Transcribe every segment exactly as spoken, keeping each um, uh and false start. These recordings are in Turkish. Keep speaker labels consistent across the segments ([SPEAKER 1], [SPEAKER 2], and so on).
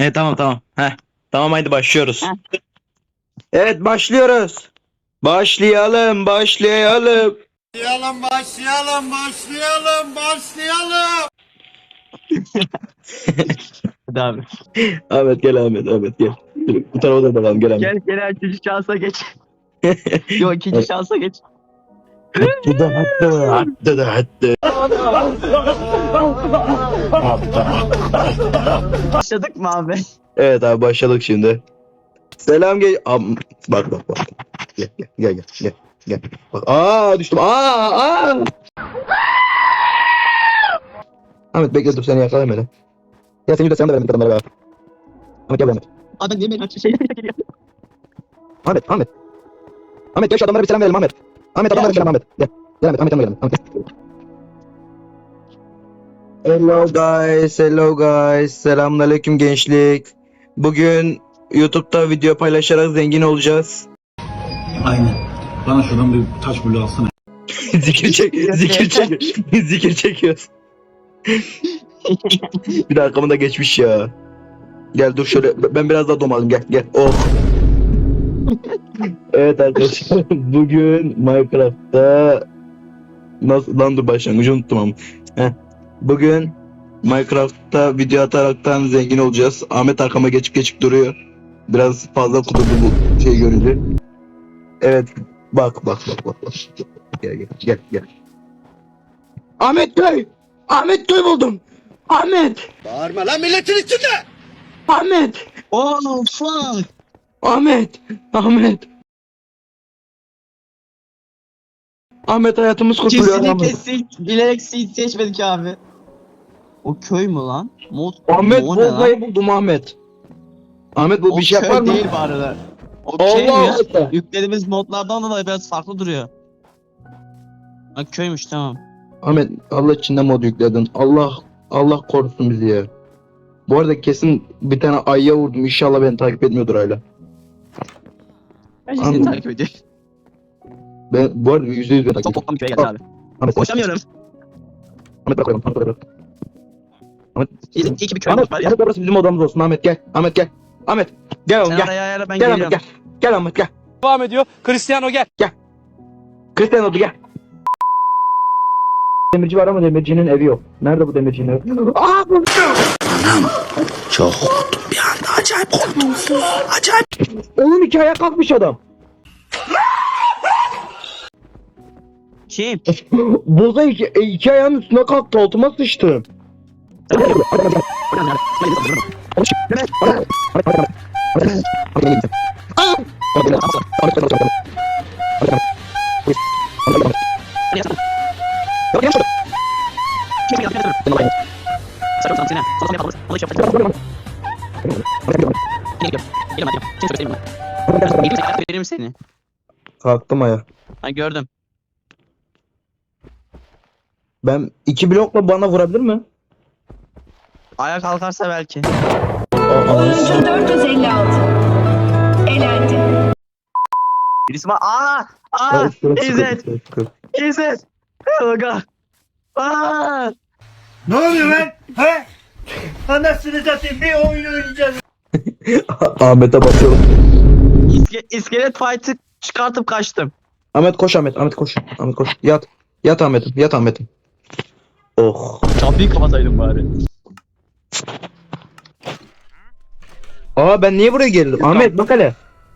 [SPEAKER 1] Evet tamam tamam. Heh. Tamam haydi başlıyoruz.
[SPEAKER 2] Heh.
[SPEAKER 1] Evet başlıyoruz. Başlayalım başlayalım.
[SPEAKER 3] Başlayalım, başlayalım, başlayalım, başlayalım.
[SPEAKER 2] Hadi abi.
[SPEAKER 1] Ahmet gel Ahmet Ahmet gel. Dur, bu tarafa da bakalım gel Ahmet.
[SPEAKER 2] Gel gel üçüncü şansa geç. Yok ikinci şansa geç.
[SPEAKER 1] Hattı da hattı hattı da hattı.
[SPEAKER 2] Başladık mı abi?
[SPEAKER 1] Evet abi başladık şimdi. Selam gel. Am bak bak bak. Gel gel gel gel gel. Gel. Bak aa düştüm. Aa aa. Ahmet bekle dur seni yakalayamadım. Ya seni de sen de vermedik adamlara be. Ahmet gel Ahmet.
[SPEAKER 2] Abi niye beni şey geliyor?
[SPEAKER 1] Ahmet Ahmet. Ahmet gel şu adamlara bir selam verelim Ahmet. Ahmet adamlara bir selam Ahmet. Gel. Gel Ahmet Ahmet yanıma gel. Ahmet. Hello guys, hello guys. Selamünaleyküm gençlik. Bugün YouTube'da video paylaşarak zengin olacağız.
[SPEAKER 3] Aynen. Bana şuradan bir taş bulu alsana.
[SPEAKER 1] zikir çek, zikir çek, zikir çekiyoruz. Bir de arkamda geçmiş ya. Gel dur şöyle ben biraz daha domalım gel gel. Oh. Evet arkadaşlar bugün Minecraft'ta nasıl lan dur başlangıcı unuttum ama. Heh. Bugün Minecraft'ta video ataraktan zengin olacağız. Ahmet arkama geçip geçip duruyor. Biraz fazla kudurdu bu şey görünce. Evet bak bak bak bak bak. Gel gel gel gel. Ahmet köy! Ahmet köy buldum! Ahmet!
[SPEAKER 3] Bağırma lan milletin içinde.
[SPEAKER 1] Ahmet!
[SPEAKER 2] Oh fuck.
[SPEAKER 1] Ahmet! Ahmet! Ahmet hayatımız kurtuluyor
[SPEAKER 2] Kesinlikle
[SPEAKER 1] Ahmet.
[SPEAKER 2] seç, bilerek seç seçmedik abi. O köy mü lan? Mod,
[SPEAKER 1] Ahmet
[SPEAKER 2] o ne lan?
[SPEAKER 1] Bozlay'ı buldum Ahmet. Ahmet bu
[SPEAKER 2] O
[SPEAKER 1] bir şey
[SPEAKER 2] köy
[SPEAKER 1] yapar mı?
[SPEAKER 2] değil bu arada. O şey mi
[SPEAKER 1] Allah
[SPEAKER 2] ya?
[SPEAKER 1] Allah.
[SPEAKER 2] Yüklediğimiz modlardan dolayı biraz farklı duruyor. Ha köymüş tamam.
[SPEAKER 1] Ahmet Allah içinde mod yükledin. Allah Allah korusun bizi ya. Bu arada kesin bir tane ayıya vurdum. İnşallah beni takip etmiyordur hala.
[SPEAKER 2] Ben seni
[SPEAKER 1] Anladım.
[SPEAKER 2] takip ediyor.
[SPEAKER 1] Ben bu arada yüzde yüz ben takip
[SPEAKER 2] Çok
[SPEAKER 1] ediyorum.
[SPEAKER 2] boktan bir köye geldi abi.
[SPEAKER 1] Ahmet,
[SPEAKER 2] Koşamıyorum.
[SPEAKER 1] Ahmet bırak koyalım. Ahmet bırak. Ahmet.
[SPEAKER 2] İyi, iyi ki bir köy
[SPEAKER 1] Ahmet,
[SPEAKER 2] var ya.
[SPEAKER 1] Ahmet burası bizim odamız olsun. Ahmet gel. Ahmet gel. Ahmet gel oğlum
[SPEAKER 2] Sen
[SPEAKER 1] gel.
[SPEAKER 2] araya ayarla ben
[SPEAKER 1] Gel Ahmet
[SPEAKER 2] geliyorum.
[SPEAKER 1] gel. Gel Ahmet gel.
[SPEAKER 4] Devam ediyor. Cristiano gel.
[SPEAKER 1] Cristiano oldu gel. Demirci var ama demircinin evi yok. Nerede bu demircinin evi? Aa bu.
[SPEAKER 3] Çok korktum bir anda. Acayip korktum. Acayip.
[SPEAKER 1] Oğlum iki ayağa kalkmış adam.
[SPEAKER 2] Kim?
[SPEAKER 1] Boza iki, e, iki ayağının üstüne kalktı. Altıma sıçtı.
[SPEAKER 2] Verim seni.
[SPEAKER 1] Kalktım ayağa.
[SPEAKER 2] Ha gördüm.
[SPEAKER 1] Ben iki blokla bana vurabilir mi?
[SPEAKER 2] Ayağa kalkarsa belki.
[SPEAKER 5] Oyuncu dört yüz elli altı. Elendi.
[SPEAKER 2] Birisi var. Aa! Aa! İzzet! İzzet! Oga! Aa!
[SPEAKER 3] Ne oluyor lan? He? Anasını satayım bir oyun oynayacağız.
[SPEAKER 1] Ahmet'e basıyorum.
[SPEAKER 2] İske, iskelet fight'ı çıkartıp kaçtım.
[SPEAKER 1] Ahmet koş Ahmet. Ahmet koş. Ahmet koş. Yat. Yat Ahmet'im. Yat Ahmet'im. Oh.
[SPEAKER 2] Kapıyı kapataydım bari.
[SPEAKER 1] Aa ben niye buraya geldim? Ahmet bak hele.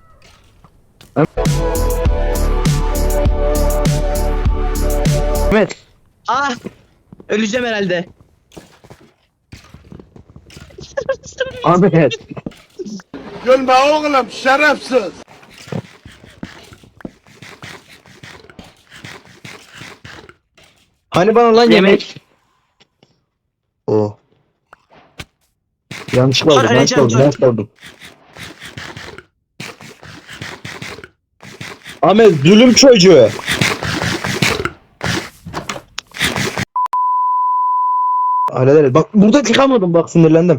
[SPEAKER 1] Ahmet.
[SPEAKER 2] Ah! Öleceğim herhalde.
[SPEAKER 1] Ahmet.
[SPEAKER 3] Gülme oğlum şerefsiz.
[SPEAKER 1] Hani bana lan yemek.
[SPEAKER 2] Yemek.
[SPEAKER 1] Oh. Yanlışlıkla
[SPEAKER 2] Dur,
[SPEAKER 1] oldum. Yanlışlıkla
[SPEAKER 2] öleceğim,
[SPEAKER 1] oldum.
[SPEAKER 2] dur.
[SPEAKER 1] Yanlışlıkla oldum. Ahmet zulüm çocuğu. Hallederiz. Bak burada çıkamadım bak sinirlendim.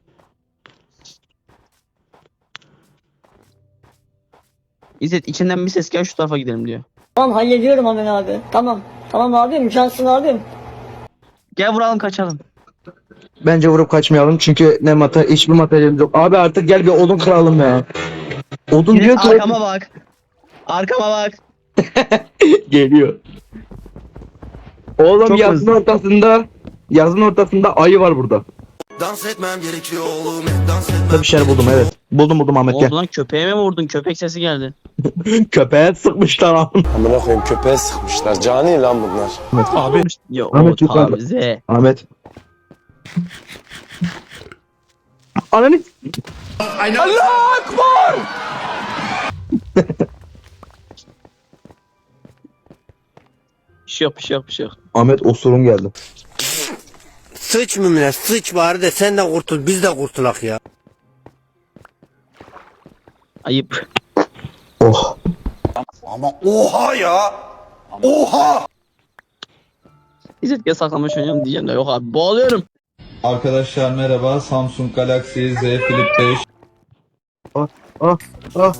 [SPEAKER 2] İzzet içinden bir ses gel şu tarafa gidelim diyor.
[SPEAKER 6] Tamam hallediyorum hemen abi. Tamam. Tamam abim. Cansın abim.
[SPEAKER 2] Gel vuralım kaçalım.
[SPEAKER 1] Bence vurup kaçmayalım çünkü ne mata hiçbir materyalimiz yok. Abi artık gel bir odun kıralım ya. Odun
[SPEAKER 2] Yine
[SPEAKER 1] diyor ki
[SPEAKER 2] arkama bak. Arkama bak.
[SPEAKER 1] geliyor. Oğlum
[SPEAKER 2] Çok
[SPEAKER 1] yazın
[SPEAKER 2] hızlı.
[SPEAKER 1] ortasında yazın ortasında ayı var burada.
[SPEAKER 6] Dans etmem gerekiyor oğlum, dans etmem.
[SPEAKER 1] Burada bir şeyler buldum evet. Buldum buldum Ahmet gel.
[SPEAKER 2] Oldu lan, köpeğe mi vurdun? Köpek sesi geldi.
[SPEAKER 1] Köpeğe sıkmışlar abi.
[SPEAKER 7] Amına koyayım köpeğe sıkmışlar. Cani lan bunlar.
[SPEAKER 1] Abi.
[SPEAKER 2] Ya
[SPEAKER 1] Ahmet
[SPEAKER 2] o
[SPEAKER 1] yukarıda.
[SPEAKER 2] tabize.
[SPEAKER 1] Ahmet. Ananı.
[SPEAKER 2] Bir şey yok, bir şey yok, bir şey yok.
[SPEAKER 1] Ahmet osurum geldi.
[SPEAKER 8] Sıç mümine sıç bari de sen de kurtul biz de kurtulak ya.
[SPEAKER 2] Ayıp.
[SPEAKER 1] Oh.
[SPEAKER 6] Oha ya! Oha!
[SPEAKER 2] İzzet gel saklamış oynayalım diyeceğim de yok abi, boğuluyorum.
[SPEAKER 9] Arkadaşlar merhaba. Samsung Galaxy Z Flip beş.
[SPEAKER 1] Ah ah.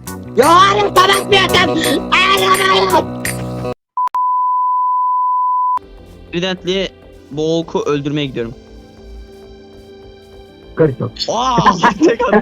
[SPEAKER 2] Evidently bu oku öldürmeye gidiyorum.
[SPEAKER 1] Karışma.
[SPEAKER 2] Aa, tek adam.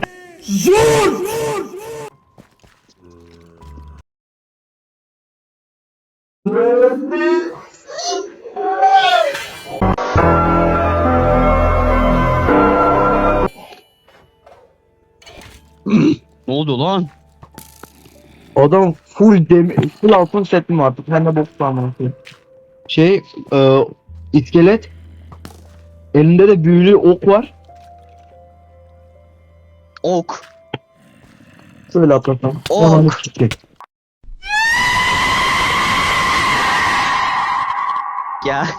[SPEAKER 2] Ne oldu lan?
[SPEAKER 1] Adam full demir, full altın setim var. Sen de bok sanmıyorsun. Şey, e, iskelet. Elinde de büyülü ok var.
[SPEAKER 2] Ok.
[SPEAKER 1] Şöyle atlasam.
[SPEAKER 2] Ok.
[SPEAKER 1] Ananı sikeyim.
[SPEAKER 2] Ya.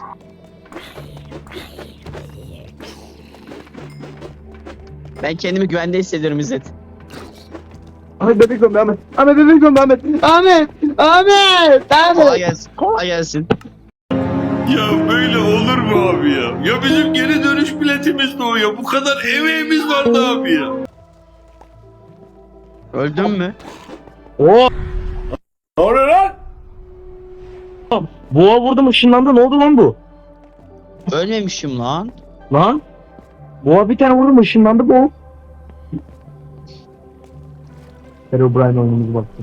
[SPEAKER 2] Ben kendimi güvende hissediyorum İzzet.
[SPEAKER 1] Ahmet bebek gömbe Ahmet. Ahmet bebek gömbe Ahmet. Ahmet. Ahmet.
[SPEAKER 2] Kolay
[SPEAKER 1] Ahmet.
[SPEAKER 2] gelsin. Kolay gelsin.
[SPEAKER 3] Ya böyle olur mu abi ya? Ya bizim geri dönüş biletimiz de o ya. Bu kadar emeğimiz vardı abi ya.
[SPEAKER 2] Öldün mü?
[SPEAKER 1] Oo.
[SPEAKER 3] Ne oluyor lan?
[SPEAKER 1] Boğa vurdum ışınlandı. Ne oldu lan bu?
[SPEAKER 2] Ölmemişim lan.
[SPEAKER 1] Lan. Boğa bir tane vurdum ışınlandı bu. Herobrine oyunumuzu baktı.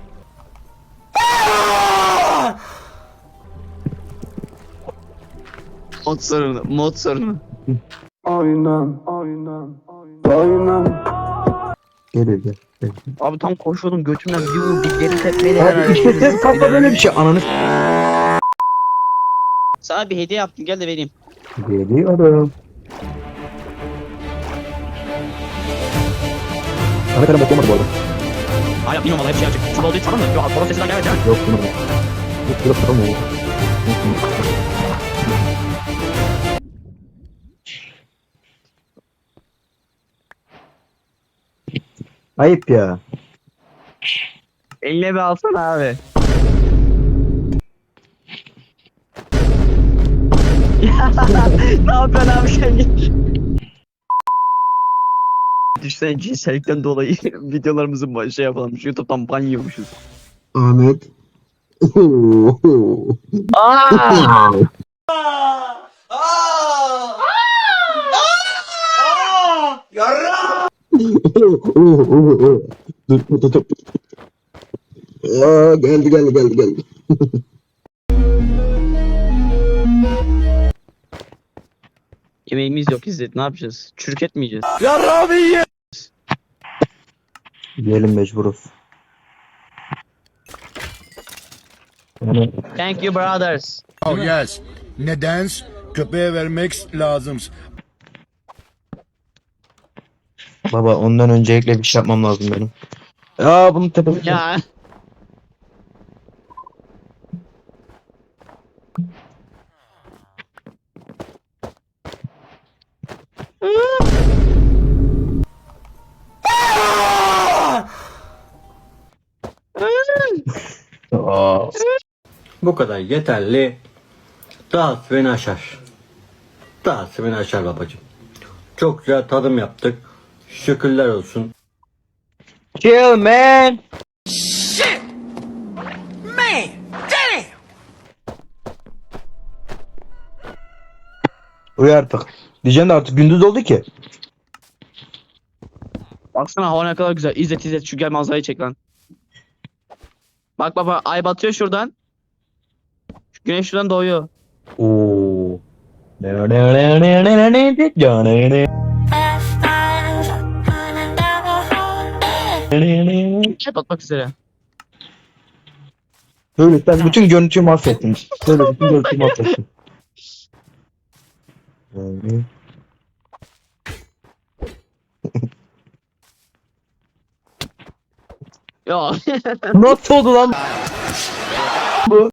[SPEAKER 2] Mod sorunu. Mod sorunu.
[SPEAKER 1] Geliyor gel. gel.
[SPEAKER 2] Abi tam koşuyordum, götümden bir vurdu. Geri tepmeyle
[SPEAKER 1] Abi işte ses kalkma böyle bir şey. Ananı
[SPEAKER 2] Sana bir hediye yaptım, gel de vereyim.
[SPEAKER 1] geliyorum. Ahmet Eren boklamadı bu arada.
[SPEAKER 2] Hayır bilmiyorum valla, hep şey yapacak. Çuval değil, tamam mı? Yok, boros sesinden gelmedi yani.
[SPEAKER 1] Yok bunu. Yok yok tamam o. Ayıp ya.
[SPEAKER 2] Eline bir alsana abi. Ne yapıyorsun abi sen git. Düşsen cinsellikten dolayı videolarımızı baş- şey yapalım. YouTube'dan ban yiyormuşuz.
[SPEAKER 1] Ahmet. Dur dur dur. Aa, geldi geldi geldi geldi.
[SPEAKER 2] Yemeğimiz yok İzzet, ne yapacağız? Çürük etmeyeceğiz.
[SPEAKER 1] Yiyelim mecburuz. Yani
[SPEAKER 2] Thank you brothers.
[SPEAKER 10] Oh yes. Neden? Köpeğe vermek lazım.
[SPEAKER 1] baba ondan öncelikle bir şey yapmam lazım benim. Ya bunun tepesi.
[SPEAKER 2] Ya.
[SPEAKER 1] Aa.
[SPEAKER 11] Bu kadar yeterli. Dağıt beni aşar. Dağıt beni aşar babacığım. Çok güzel tadım yaptık. Şükürler olsun.
[SPEAKER 1] Chill man. Uyu artık. Diyeceğim de artık gündüz oldu ki.
[SPEAKER 2] Baksana hava ne kadar güzel. İzzet İzzet şu gel manzarayı çek lan. Bak baba ay batıyor şuradan. Şu güneş şuradan doğuyor.
[SPEAKER 1] Oo.
[SPEAKER 2] Şey batmak üzere.
[SPEAKER 1] Böyle sen bütün görüntüyü mahvettin. Böyle bütün görüntüyü mahvettin. Yani.
[SPEAKER 2] Ya
[SPEAKER 1] Nasıl oldu lan bu?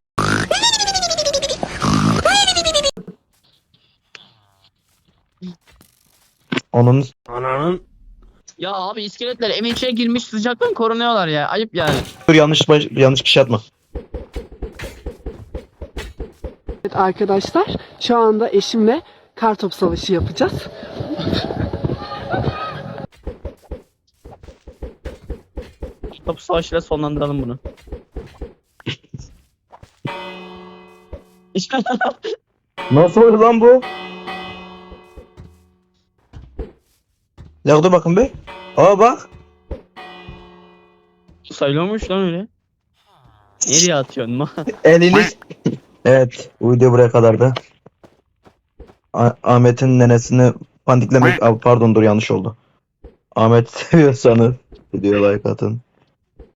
[SPEAKER 1] Onun
[SPEAKER 8] Ananın
[SPEAKER 2] ya abi iskeletler evin içine girmiş sıcaktan korunuyorlar ya. Ayıp yani.
[SPEAKER 1] dur yanlış baş- yanlış kişi atma.
[SPEAKER 5] Evet arkadaşlar şu anda eşimle kartop savaşı yapacağız.
[SPEAKER 2] Top savaşıyla sonlandıralım bunu.
[SPEAKER 1] Nasıl oldu lan bu? Ya dur bakın be. Aa bak.
[SPEAKER 2] Sayılıyormuş lan öyle. Nereye atıyorsun ma?
[SPEAKER 1] Eliniz. Evet. Bu video buraya kadardı. Ah- Ahmet'in nenesini pandiklemek... Aa, pardon dur yanlış oldu. Ahmet seviyorsanız videoya like atın.